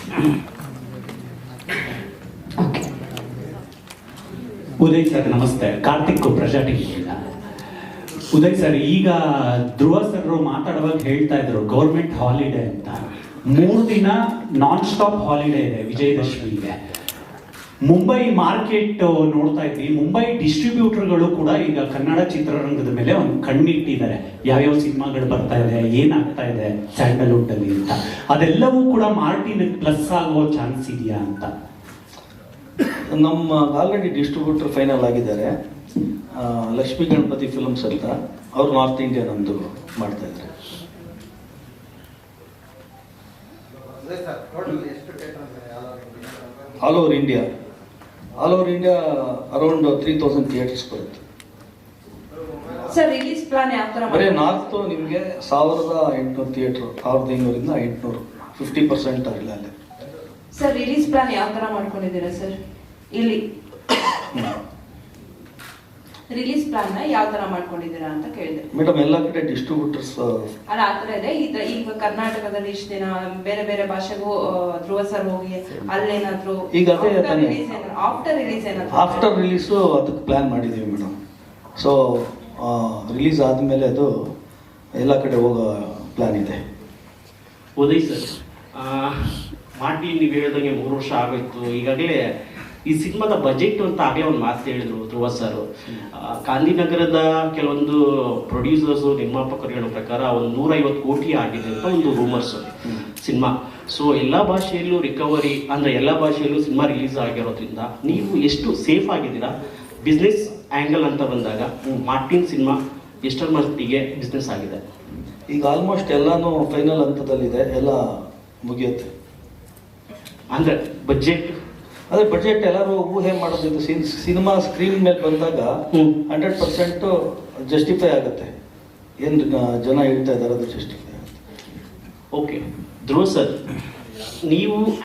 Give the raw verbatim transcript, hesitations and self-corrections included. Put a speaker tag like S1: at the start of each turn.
S1: Uday sir ನಮಸ್ತೆ, ಕಾರ್ತಿಕ್ ಪ್ರಜಾ ಟಿವಿಯಿಂದ. Uday sir, ಈಗ ಧ್ರುವ ಸರ್ ಮಾತಾಡುವಾಗ ಹೇಳ್ತಾ ಇದ್ರು ಗೌರ್ಮೆಂಟ್ ಹಾಲಿಡೇ ಅಂತ. ಮೂರು ದಿನ ನಾನ್ ಸ್ಟಾಪ್ ಹಾಲಿಡೇ ಇದೆ ವಿಜಯದಶಮಿಗೆ. ಮುಂಬೈ ಮಾರ್ಕೆಟ್ ನೋಡ್ತಾ ಇದ್ವಿ, ಮುಂಬೈ ಡಿಸ್ಟ್ರಿಬ್ಯೂಟರ್ಗಳು ಕೂಡ ಈಗ ಕನ್ನಡ ಚಿತ್ರರಂಗದ ಮೇಲೆ ಒಂದು ಕಣ್ಣಿಟ್ಟಿದ್ದಾರೆ. ಯಾವ್ಯಾವ ಸಿನಿಮಾಗಳು ಬರ್ತಾ ಇದೆ, ಏನಾಗ್ತಾ ಇದೆ ಸ್ಯಾಂಡಲ್ವುಡ್ ಅಲ್ಲಿ ಅಂತ. ಅದೆಲ್ಲವೂ ಕೂಡ ಮಾರ್ಟಿನ್ ಪ್ಲಸ್ ಆಗೋ ಚಾನ್ಸ್ ಇದೆಯಾ ಅಂತ.
S2: ನಮ್ಮ ಆಲ್ರೆಡಿ ಡಿಸ್ಟ್ರಿಬ್ಯೂಟರ್ ಫೈನಲ್ ಆಗಿದ್ದಾರೆ, ಲಕ್ಷ್ಮೀ ಗಣಪತಿ ಫಿಲ್ಮ್ಸ್ ಅಂತ. ಅವ್ರು ನಾರ್ತ್ ಇಂಡಿಯಾ ನಮ್ದು ಮಾಡ್ತಾ ಇದ್ದಾರೆ. All over India all over India around three thousand theatres ಬರುತ್ತೆ.
S3: ಸರ್ ರಿಲೀಸ್ ಪ್ಲಾನ್ ಯಾವ ತರ?
S2: ಬರೀ ನಾರ್ತ್ ನಿಮಗೆ ಸಾವಿರದ ಎಂಟುನೂರು ಥಿಯೇಟರ್, ಸಾವಿರದ ಐನೂರಿಂದ ಎಂಟುನೂರು, ಫಿಫ್ಟಿ ಪರ್ಸೆಂಟ್ ಇಲ್ಲ ಅಲ್ಲಿ.
S3: ಸರ್ ರಿಲೀಸ್ ಪ್ಲಾನ್ ಯಾವ ತರ ಮಾಡ್ಕೊಂಡಿದ್ದೀರಾ ಸರ್? ಇಲ್ಲಿ ರಿಲೀಸ್ ಪ್ಲಾನ್ ನ ಯಾವ ತರ ಮಾಡ್ಕೊಂಡಿದ್ದೀರಾ ಅಂತ ಕೇಳಿದೆ
S2: ಮೇಡಮ್. ಎಲ್ಲ ಕಡೆ ಡಿಸ್ಟ್ರಿಬ್ಯೂಟರ್ಸ್
S3: ಅಲ್ಲ ಆ ತರ ಇದೆ. ಈಗ ಕರ್ನಾಟಕದಲ್ಲಿ ಇಷ್ಟು ದಿನ ಬೇರೆ ಬೇರೆ ಭಾಷೆಗೂ ಧ್ರುವ ಸರ್ ಹೋಗಿ ಅಲ್ಲೇನಾದ್ರು
S2: ಈಗ ಅದೇ
S3: ಆಫ್ಟರ್ ರಿಲೀಸ್ ಏನಾದ್ರು
S2: ಆಫ್ಟರ್ ರಿಲೀಸು ಅದಕ್ಕೆ ಪ್ಲಾನ್ ಮಾಡಿದ್ದೀವಿ ಮೇಡಮ್. ಸೊ ರಿಲೀಸ್ ಆದಮೇಲೆ ಅದು ಎಲ್ಲ ಕಡೆ ಹೋಗೋ ಪ್ಲಾನ್ ಇದೆ.
S4: ಉದಯ್ ಸರ್, ಮಾರ್ಟಿನ್ ನೀವು ಹೇಳಿದಂಗೆ ಮೂರು ವರ್ಷ ಆಗೋಯ್ತು. ಈಗಾಗಲೇ ಈ ಸಿನಿಮಾದ ಬಜೆಟ್ ಅಂತ ಆಗಲೇ ಒಂದು ಮಾತು ಹೇಳಿದ್ರು ಧ್ರುವ ಸರ್. ಗಾಂಧಿನಗರದ ಕೆಲವೊಂದು ಪ್ರೊಡ್ಯೂಸರ್ಸು ನಿರ್ಮಾಪಕರು ಹೇಳೋ ಪ್ರಕಾರ ಒಂದು ನೂರೈವತ್ತು ಕೋಟಿ ಆಗಿದೆ ಅಂತ ಒಂದು ರೂಮರ್ಸ್ ಸಿನಿಮಾ. ಸೊ ಎಲ್ಲ ಭಾಷೆಯಲ್ಲೂ ರಿಕವರಿ ಅಂದರೆ ಎಲ್ಲ ಭಾಷೆಯಲ್ಲೂ ಸಿನಿಮಾ ರಿಲೀಸ್ ಆಗಿರೋದ್ರಿಂದ ನೀವು ಎಷ್ಟು ಸೇಫ್ ಆಗಿದ್ದೀರಾ ಬಿಸ್ನೆಸ್ ಆ್ಯಂಗಲ್ ಅಂತ ಬಂದಾಗ? ಮಾರ್ಟಿನ್ ಸಿನಿಮಾ ಎಷ್ಟರ ಮಟ್ಟಿಗೆ ಬಿಸ್ನೆಸ್ ಆಗಿದೆ?
S2: ಈಗ ಆಲ್ಮೋಸ್ಟ್ ಎಲ್ಲಾನು ಫೈನಲ್ ಹಂತದಲ್ಲಿದೆ, ಎಲ್ಲ ಮುಗಿಯುತ್ತೆ.
S4: ಅಂದರೆ ಬಜೆಟ್
S2: ಅದೇ ಬಜೆಟ್ ಎಲ್ಲರೂ ಊಹೆ ಮಾಡೋದಿದ್ದು ಸಿನಿಮಾ ಸ್ಕ್ರೀನ್ ಮೇಲೆ ಬಂದಾಗ ಹಂಡ್ರೆಡ್ ಪರ್ಸೆಂಟ್ ಜಸ್ಟಿಫೈ ಆಗುತ್ತೆ. ಏನು ಜನ ಹೇಳ್ತಾ ಇದ್ದಾರೆ ಅದು ಜಸ್ಟಿಫೈ ಆಗುತ್ತೆ.
S4: ಓಕೆ ಧ್ರುವ ಸರ್, ನೀವು